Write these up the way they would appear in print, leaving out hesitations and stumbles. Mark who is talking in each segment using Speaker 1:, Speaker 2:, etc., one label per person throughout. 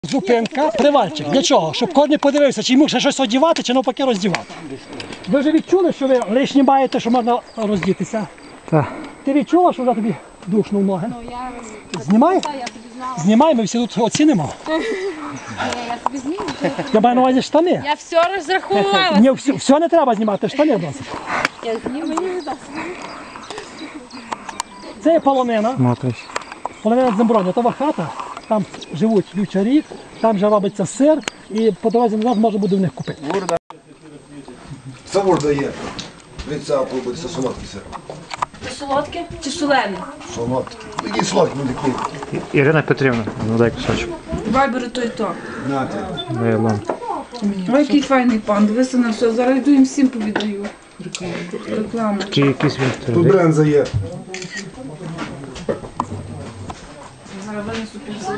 Speaker 1: Зупинка, привальчик. Для чого? Щоб кожен подивився, чи йому ще щось одягати, чи навпаки роздівати. Ви вже відчули, що ви лишні маєте, що можна роздітися?
Speaker 2: Так.
Speaker 1: Ти відчула, що вже тобі душно в ноги?
Speaker 3: Ну, я...
Speaker 1: Знімай?
Speaker 3: Так, я тобі знала.
Speaker 1: Знімай, ми всі тут оцінимо.
Speaker 3: Я тобі зніму.
Speaker 1: Я маю на увазі штани.
Speaker 3: Я все розрахувала.
Speaker 1: Ні, все не треба знімати, штани досить.
Speaker 3: Я зніму, мені не дасть.
Speaker 1: Це є полонина.
Speaker 2: Смотриш.
Speaker 1: Полонина Дземброня, това хата. Там живуть вівчарі, там же робиться сир, і по дорозі назад можна буде в них купити.
Speaker 4: Савор дає. Дивіться, пробується солодкий сир.
Speaker 3: Це солодке чи солене?
Speaker 4: Солодкий. Який солодкий буде такий.
Speaker 2: Ірина Петрівна, ну дай кусочок.
Speaker 5: Давай бери то і то.
Speaker 4: Нате.
Speaker 2: Дай лом.
Speaker 5: Ой, який файний пан, дивися на все. Зараз йду їм всім повідаю. Рекламу.
Speaker 2: Чи якийсь він
Speaker 4: Тут
Speaker 2: твердий?
Speaker 4: бренза є.
Speaker 5: Зараз винесу піцу.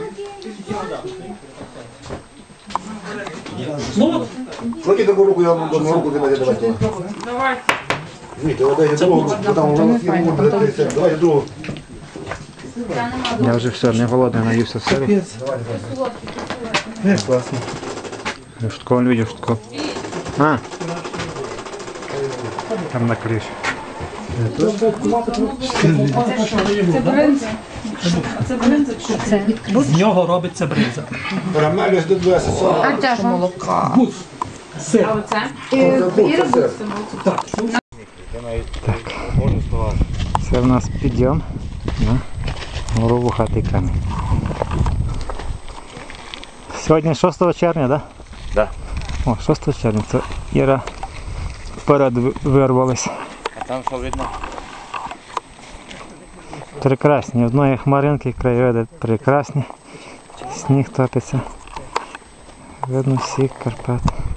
Speaker 1: Ну,
Speaker 4: Кладіть таку руку, я вам одну руку давайте.
Speaker 5: Давай.
Speaker 4: Ні, давайте другу, бо там воно не буде. Давайте другу.
Speaker 2: Я вже все, не голодний, наївся сиру.
Speaker 4: Не, класно.
Speaker 2: Я шутково не видів, шутково. А! Там на криші.
Speaker 5: Це бринза. А це бринза чи це?
Speaker 1: з нього робиться бринза.
Speaker 4: Карамель ось до 20 40.
Speaker 1: Гуц, сир.
Speaker 5: А оце?
Speaker 4: Це сир.
Speaker 2: Це в нас підйом на гору Вухатий камінь. Сьогодні 6 червня, так?
Speaker 6: Да.
Speaker 2: О, 6 червня. Це Іра вперед вирвалась.
Speaker 6: А там що видно?
Speaker 2: Прекрасні. Одної хмаринки, краєвиди прекрасні. Сніг топиться. Видно всі Карпат.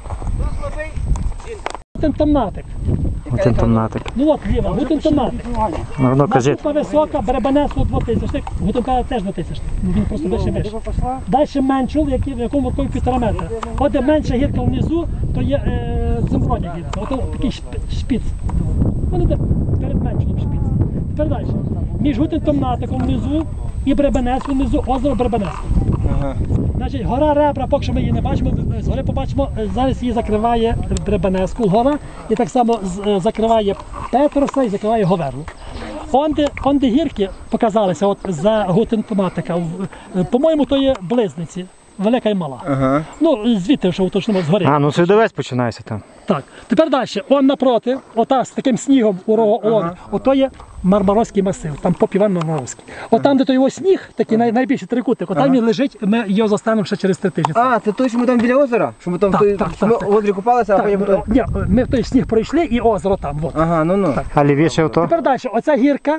Speaker 1: Гутентомнатик.
Speaker 2: Один томнатик.
Speaker 1: Ну от ліва, гутентомнатик.
Speaker 2: Ну, кажіть.
Speaker 1: Наступна висока, Беребенецьку 2000, гутентомнатик теж 2000. Він просто вище. Далі меншул, в якому такий 1,5 метра. От де менша гірка внизу, то є Дземброня гірка. Ото такий шпіц. Вони де перед меншулом шпіц. Тепер далі. Між гутентомнатиком внизу і Беребенецьком внизу озеро Беребенецьке. Значить, гора Ребра, поки що ми її не бачимо, згори побачимо, зараз її закриває Беребенецьку гора і так само закриває Петроса і закриває Говерлу. Онде гірки показалися от за Гутентоматика, по-моєму, то є близниці, велика і мала. Ну, звідти, що уточнимо, згори.
Speaker 2: А, ну Свідовець починається там.
Speaker 1: Так, тепер далі, он напроти, ота з таким снігом у ото є Мармаровський масив, там поп Іван Мармаровський. От там, де той його сніг, такий найбільший трикутник, отам він лежить, ми його застанемо ще через 3 тижні.
Speaker 7: А, це той, що ми там біля озера? Що ми там
Speaker 1: Так,
Speaker 7: той,
Speaker 1: так,
Speaker 7: що
Speaker 1: так,
Speaker 7: ми в озері купалися, а потім...
Speaker 1: Ні, ми в той сніг пройшли і озеро там. От.
Speaker 7: Ага, ну-ну.
Speaker 2: А лівіше ото?
Speaker 1: Тепер далі, оця гірка,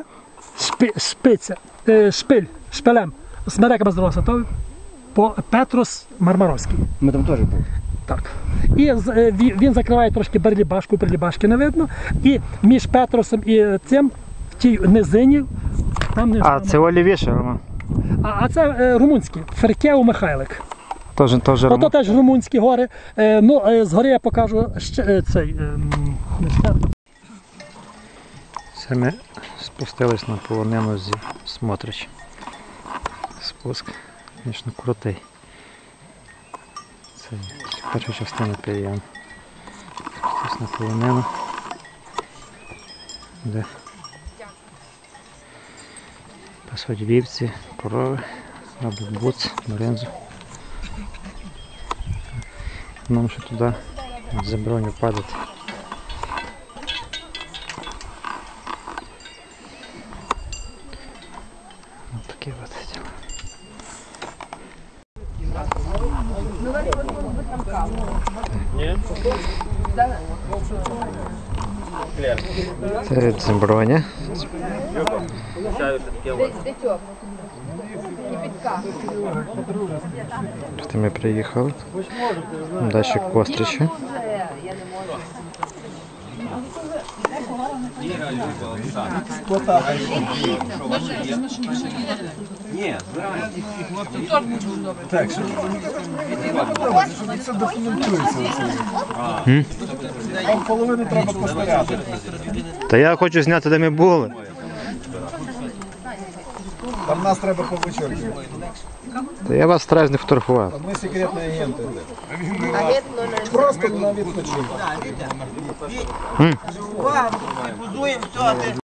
Speaker 1: шпилем, смереками зросла, то по Петрос Мармаровський.
Speaker 7: Ми там теж були.
Speaker 1: Так. І він закриває трошки Берлібашки не видно. І між Петросом і цим, в тій низині, там не
Speaker 2: А, це лівіше, Роман.
Speaker 1: А це румунські, Феркеу Михайлик.
Speaker 2: Теж
Speaker 1: Ото
Speaker 2: Роман.
Speaker 1: теж румунські гори. Ну, згори я покажу ще цей.
Speaker 2: Це ми спустились на полонину зі Смотрич. Спуск, звісно, крутий. Це перша частина підйом. Спустились на полонину. Де пасуть вівці, корови, роблять буц, бринзу. Нам ще туди за броню падати. Ось такі от діла. Це Дземброня. Це ми приїхали. Далі Костричі.
Speaker 4: Це документується. Там половину треба постояти.
Speaker 2: Та я хочу зняти, де ми були.
Speaker 4: Там нас треба повичерпувати.
Speaker 2: Та я вас стараюсь не фотографувати.
Speaker 4: Ми секретні агенти. Просто на відпочинок.